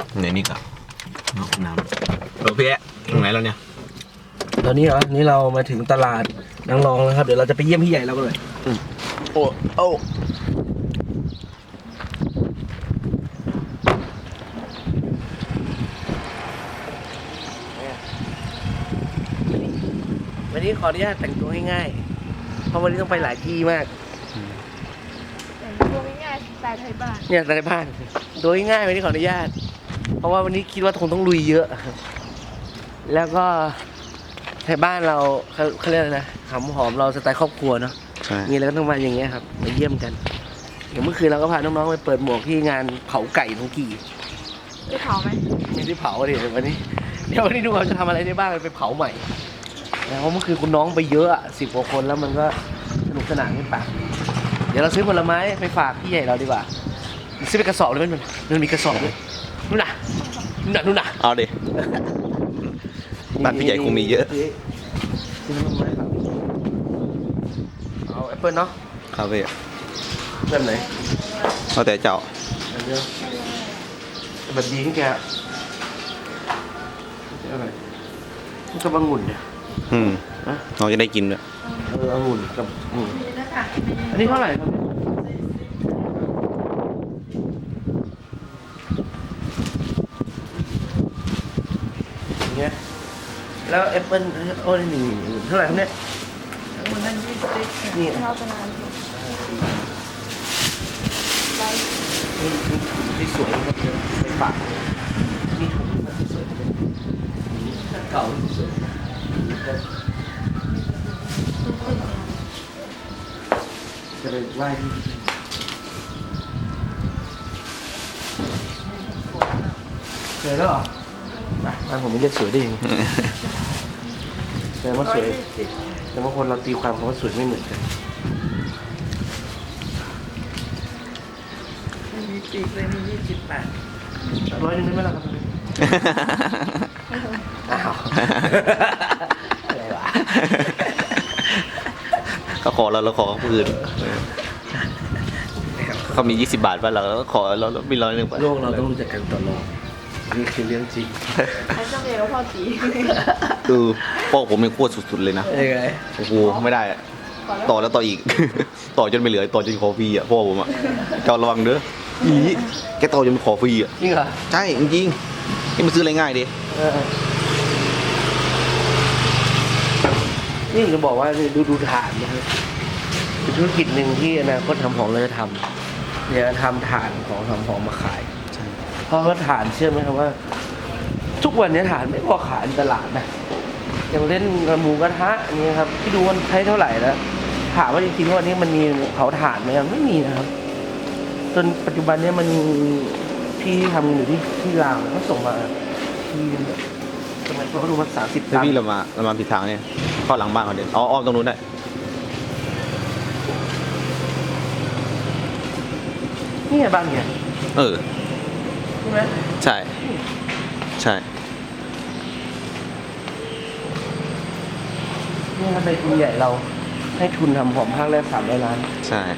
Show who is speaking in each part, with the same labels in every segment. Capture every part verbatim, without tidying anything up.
Speaker 1: ไหนนี่กับน้ำโอเคตรงไหนแล้วเนี่ย
Speaker 2: ตอนนี้เหรอนี่เรามาถึงตลาดนางรองแล้วครับเดี๋ยวเราจะไปเยี่ยมพี่ใหญ่เรากันเลย
Speaker 1: โอ้โอ้
Speaker 2: วันนี้ขออนุญาตแต่งตัวง่ายๆเพราะวันนี้ต้องไปหลายที่มาก
Speaker 3: แต่งตัวง่ายๆสไตล์ไทยบ้าน
Speaker 2: เนี่ยสไตล์บ้านตัวง่ายๆวันนี้ขออนุญาตเพราะว่าวันนี้คิดว่าคงต้องลุยเยอะแล้วก็ไทยบ้านเราเขาเขาเรียกอะไรนะหอมหอมเราสไตล์ครอบครัวเนาะมีอะไรก็ต้องมาอย่างเงี้ยครับมาเยี่ยมกันอย่างเมื่อคืนเราก็พาน้องๆไปเปิดหมวกที่งานเผาไก่ของกี่
Speaker 3: ได้เผาไหม
Speaker 2: ไม่ได้เผาดิวันนี้เดี๋ยววันนี้ดูเราจะทำอะไรได้บ้างไปเผาใหม่เพราะเมื่อคืนคุณน้องไปเยอะอ่ะสิบกว่าคนแล้วมันก็สนุกสนานขึ้นปากเดี๋ยวเราซื้อผลไม้ไปฝากพี่ใหญ่เราดีกว่าซื้อไปกระสอบเลยมันมันมีกระสอบด้วยนู่นน่ะนู่นน่ะนู่นน่ะ
Speaker 1: เอาดิบ้านพี่ใหญ่คงมีเยอะ
Speaker 2: ซื้อผลไม้ครับเอาแอปเปิ้ลเนาะ
Speaker 1: ครับพี่
Speaker 2: แบบไหน
Speaker 1: เอาแต่เจ้า
Speaker 2: อันเดียวแบบดีที่แกอะไรมันก็บางหุ่นเนี่ย
Speaker 1: อืมเราจะได้กินด้วย
Speaker 2: เออองุ่นกับอืมอันนี้เท่าไหร่ครับอย่างเงี้ยแล้วแอปเปิ้ลโอ้ยหนึ่งเท่าไหร่ครับเนี่ย
Speaker 3: มันนั่นยี่สิบ
Speaker 2: นี่
Speaker 3: เท่ากันนาน
Speaker 2: นี่ที่สวยครับไปฝากนี่ถุงที่สวยเก่าที่สวยจะไปไหว้ที่เคยแล้วเหรอบ้านผมไม่เรียกสวยได้ยังแต่ว่าสวยแต่ว่าคนเราตีความคำว่าสวยไม่เหมือนกัน
Speaker 3: มีปีกเลยมียี่สิบบาท
Speaker 2: ร้อยนึงได้ไหมล่ะครับอ้าวอะไรวะ
Speaker 1: เขาขอเราเราขอเขาคืนเขามียี่สิบบาทป่ะเราก็ขอเรามีร้อยหนึ่งป่ะ
Speaker 2: โลกเราต้องรู้จักกันต่อรองนี่คือเรื่องจริง
Speaker 3: ไอ้เจ้าเดียวพ่อจี
Speaker 1: ดูพ่อผมเป็นโคตรสุดๆเลยนะ
Speaker 2: ยังไง
Speaker 1: โอ้โหไม่ได้ต่อแล้วต่ออีกต่อจนไม่เหลือต่อจนขอฟรีอ่ะพ่อผมอ่ะเจ้าระวังเด้ออีแกต่อจนขอฟรีอ่ะ
Speaker 2: จริงเหรอ
Speaker 1: ใช่จริงๆนี่มันซื้ออะไรง่ายดิ
Speaker 2: นี่จะบอกว่าดูดูฐานนะครับเป็นธุรกิจหนึ่งที่อนาคตทำของเราจะทำเนี่ยทำฐานของทำของมาขายเพราะว่าฐานเชื่อไหมครับว่าทุกวันนี้ฐานไม่พอขายในตลาดนะอย่างเล่นหมูกระทะนี่ครับที่ดูมันใช้เท่าไหร่แล้วถามว่าจริงๆวันนี้มันมีเผาถ่านไหมไม่มีนะครับจนปัจจุบันนี้มันพี่ทำอยู่ที่ที่ลาวเขาส่งมาที่สมัยเขาดูมาสามสิบตัน
Speaker 1: พี่เรามาเรามาผิดทางเนี่ยเข้าหลังบ้านเขาเด่นอ๋ออ้อมตรงนู้นได้
Speaker 2: นี่ไงบ้านเนี่ย
Speaker 1: เออ
Speaker 2: ใช่ไหม
Speaker 1: ใช่ใช่
Speaker 2: นี่ครับในทุนใหญ่เราให้ทุนทำหอมภาคแรกสามร้อยล้าน
Speaker 1: ใช่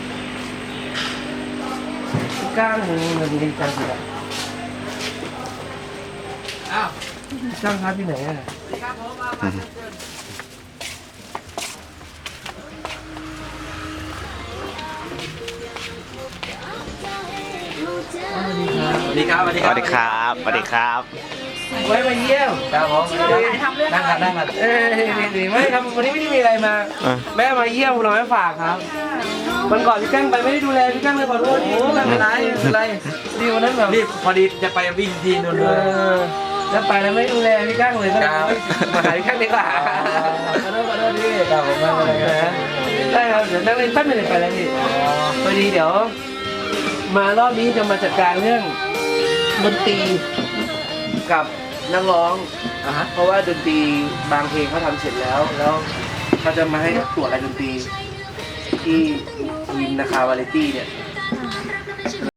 Speaker 2: ก้างมึงมันดีจังสิอ่ะอ้าวจ้างครับที่ไหนอ่ะ
Speaker 1: สวัสดีครับสวัสดีครับสวัสดีครับสวัสดีครับ
Speaker 2: ไว้มาเยี่ยมครับผมนั่งกันนั่งกันเอ้ยดีไม่ครับวันนี้ไม่ได้มีอะไรมาแม่มาเยี่ยมเราไม่ฝากครับวันก่อนพี่กั้งไปไม่ได้ดูแลพี่กั้งเลยขอโทษโอ้ไม่เป็นไรไม่เป็นไรดีวันนั้นแบบ
Speaker 4: รีบพอดีจะไปวิ่งทีนู่นเลย
Speaker 2: แล้วไปแล้วไม่ดูแลพี่กั้งเลยก็มาหาพี่กั้งดีกว่าขอโทษขอโทษพี่ครับผมไม่เป็นไรนะได้ครับเดี๋ยวนั่งเล่นแป๊บนึงไปแล้วพี่พอดีเดี๋ยวมารอบนี้จะมาจัดการเรื่องดนตรีกับนักร้องเพราะว่าดนตรีบางเพลงเขาทำเสร็จแล้วแล้วเขาจะมาให้ตรวจรายดนตรีที่วินนาคาวาเลตี้เนี่ย